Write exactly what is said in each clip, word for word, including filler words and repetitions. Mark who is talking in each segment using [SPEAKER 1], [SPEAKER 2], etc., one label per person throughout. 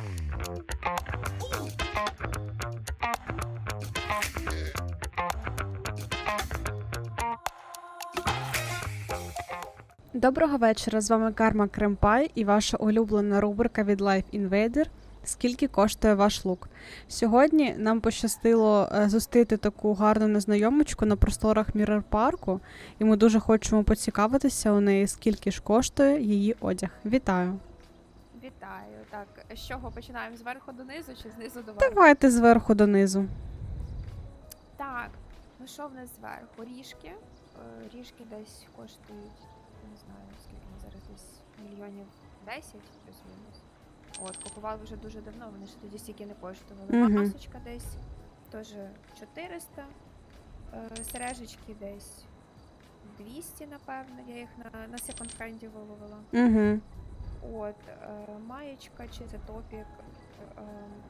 [SPEAKER 1] Доброго вечора, з вами Карма Кремпай і ваша улюблена рубрика від Life Invader «Скільки коштує ваш лук?». Сьогодні нам пощастило зустріти таку гарну незнайомочку на просторах Міррор Парку, і ми дуже хочемо поцікавитися у неї, скільки ж коштує її одяг. Вітаю!
[SPEAKER 2] Вітаю. Так, з чого починаємо? Зверху донизу чи знизу до верху?
[SPEAKER 1] Давайте зверху донизу.
[SPEAKER 2] Так, ну що в нас зверху? Ріжки. Е, Ріжки десь коштують, не знаю, скільки вони зараз, десь мільйонів десять плюс-мінус. От, купували вже дуже давно, вони ж тоді стільки не коштували.
[SPEAKER 1] Мгм.
[SPEAKER 2] Масочка десь теж чотириста. Е, Сережечки десь двісті, напевно, я їх на, на секонд-хенді виловила.
[SPEAKER 1] Угу.
[SPEAKER 2] От, е, маєчка чи це топік е,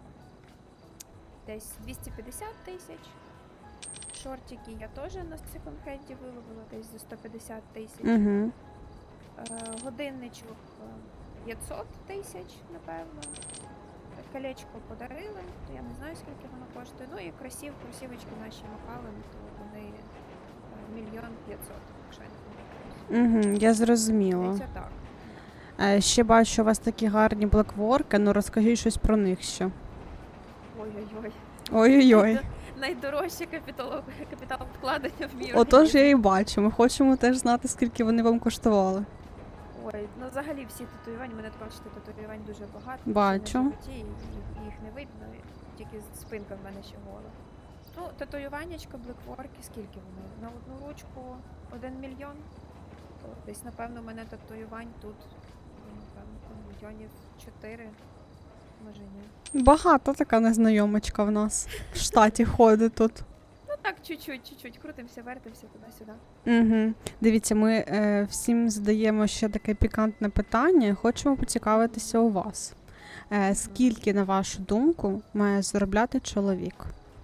[SPEAKER 2] десь двісті п'ятдесят тисяч. Шортики я теж на секонд-хенді виловила десь за сто п'ятдесят тисяч.
[SPEAKER 1] Угу.
[SPEAKER 2] Е, годинничок е, п'ятсот тисяч, напевно. Колечко подарили, то я не знаю, скільки воно коштує. Ну і кросів, кросівочки наші Макален, то вони е, мільйон п'ятсот, якщо я не помиляюсь.
[SPEAKER 1] Угу. Я зрозуміла.
[SPEAKER 2] Це так.
[SPEAKER 1] Е, Ще бачу у вас такі гарні блекворки, ну розкажіть щось про них ще.
[SPEAKER 2] Ой-ой-ой.
[SPEAKER 1] Ой-ой-ой.
[SPEAKER 2] Найдорожче капітал, капітал вкладення в мій
[SPEAKER 1] Отож
[SPEAKER 2] організм.
[SPEAKER 1] я і бачу, ми хочемо теж знати, скільки вони вам коштували.
[SPEAKER 2] Ой, ну взагалі всі татуювання, мене тут бачите, татуювань дуже багато.
[SPEAKER 1] Бачу.
[SPEAKER 2] всі на животі, і їх, їх не видно, тільки спинка в мене ще гола. Ну, татуюваннячка, блекворки, скільки вони? На одну ручку один мільйон. То десь, напевно, у мене татуювань тут, ну, напевно, мільйонів чотири, може ні.
[SPEAKER 1] Багато така незнайомочка в нас в штаті ходить тут.
[SPEAKER 2] Ну так, чуть-чуть, чуть-чуть, крутимося, вертимося туди-сюди.
[SPEAKER 1] Угу. Дивіться, ми е, всім задаємо ще таке пікантне питання. Хочемо поцікавитися у вас. Е, скільки, на вашу думку, має заробляти чоловік?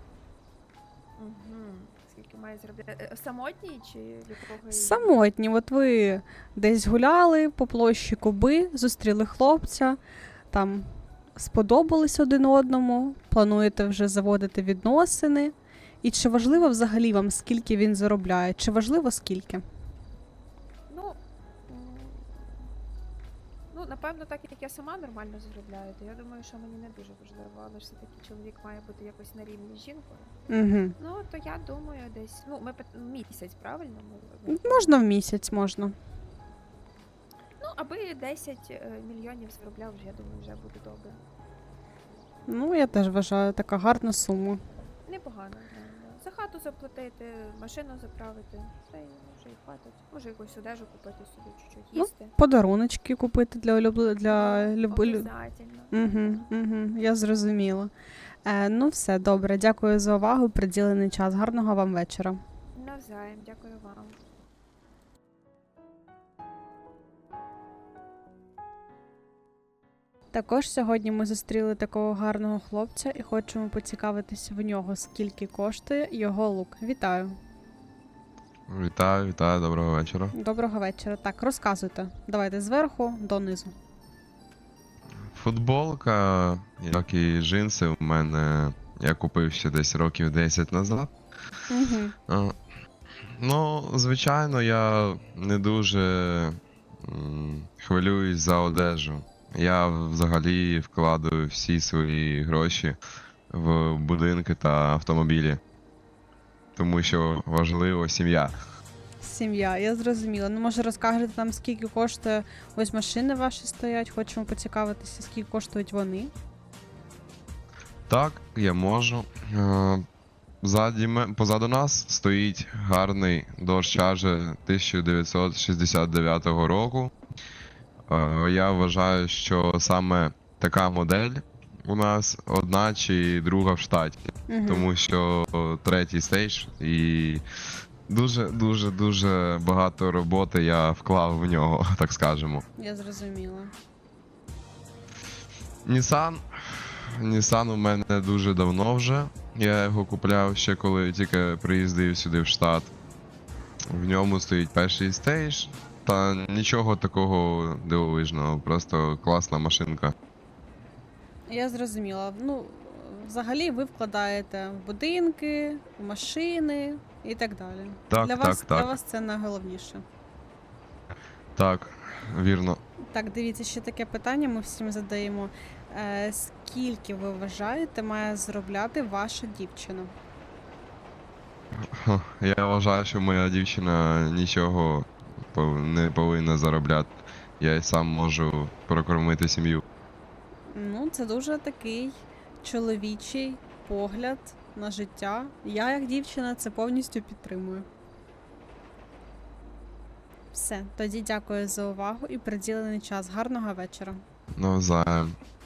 [SPEAKER 2] Угу. Скільки має зробити? Е, Самотній чи якого?
[SPEAKER 1] Самотні. От ви десь гуляли по площі Куби, зустріли хлопця, там сподобались один одному, плануєте вже заводити відносини. І чи важливо взагалі вам, скільки він заробляє? Чи важливо скільки?
[SPEAKER 2] Ну, м, ну, напевно, так як я сама нормально заробляю, то я думаю, що мені не дуже важливо, але ж все-таки чоловік має бути якось на рівні з жінкою.
[SPEAKER 1] Угу.
[SPEAKER 2] Ну, то я думаю, десь, ну, ми пит- місяць, правильно? Ми, ми-
[SPEAKER 1] Можна в місяць, можна.
[SPEAKER 2] Ну, аби десять е, мільйонів заробляв, вже, я думаю, вже буде добре.
[SPEAKER 1] Ну, я теж вважаю, така гарна сума.
[SPEAKER 2] Непогано. Да, да. За хату заплатити, машину заправити, все, і вже і хватить. Може якусь одежу купити собі, чуть-чуть
[SPEAKER 1] Ну,
[SPEAKER 2] їсти.
[SPEAKER 1] Подаруночки купити для улюбле... для люб...
[SPEAKER 2] Обязательно.
[SPEAKER 1] Угу, угу, я зрозуміла. Е, ну все, добре, дякую за увагу, приділений час. Гарного вам вечора.
[SPEAKER 2] Навзаєм, дякую вам.
[SPEAKER 1] Також сьогодні ми зустріли такого гарного хлопця і хочемо поцікавитися в нього, скільки коштує його лук. Вітаю.
[SPEAKER 3] Вітаю, вітаю, доброго вечора.
[SPEAKER 1] Доброго вечора. Так, розказуйте. Давайте зверху донизу.
[SPEAKER 3] Футболка, як і джинси, у мене я купив ще десь років десять назад.
[SPEAKER 1] Угу.
[SPEAKER 3] А, Ну, звичайно, я не дуже м, хвилююсь за одежу. Я взагалі вкладаю всі свої гроші в будинки та автомобілі. Тому що важливо сім'я.
[SPEAKER 1] Сім'я, я зрозуміла. Ну, може, розкажете нам, скільки коштує, ось машини ваші стоять, хочемо поцікавитися, скільки коштують вони.
[SPEAKER 3] Так, я можу. Е, Ззаді, ме- позаду нас стоїть гарний Dodge Charger тисяча дев'ятсот шістдесят дев'ятого року. Е, Я вважаю, що саме така модель у нас одна чи друга в штаті.
[SPEAKER 1] Угу.
[SPEAKER 3] Тому що третій стейдж і дуже дуже дуже багато роботи я вклав в нього, так скажемо.
[SPEAKER 1] Я зрозуміла.
[SPEAKER 3] Nissan. Nissan у мене дуже давно вже. Я його купляв ще коли тільки приїздив сюди в штат. В ньому стоїть перший стейдж. Та нічого такого дивовижного, просто класна машинка.
[SPEAKER 1] Я зрозуміла. Ну, взагалі ви вкладаєте в будинки, в машини і так далі.
[SPEAKER 3] Так,
[SPEAKER 1] для
[SPEAKER 3] так,
[SPEAKER 1] вас,
[SPEAKER 3] так.
[SPEAKER 1] Для вас це найголовніше.
[SPEAKER 3] Так, вірно.
[SPEAKER 1] Так, дивіться, ще таке питання ми всім задаємо. Е, скільки ви вважаєте має заробляти ваша дівчина?
[SPEAKER 3] Ха, Я вважаю, що моя дівчина нічого пов- не повинна заробляти. Я й сам можу прокормити сім'ю.
[SPEAKER 1] Ну, це дуже такий чоловічий погляд на життя. Я, як дівчина, це повністю підтримую. Все, тоді дякую за увагу і приділений час. Гарного вечора.
[SPEAKER 3] Навзаєм.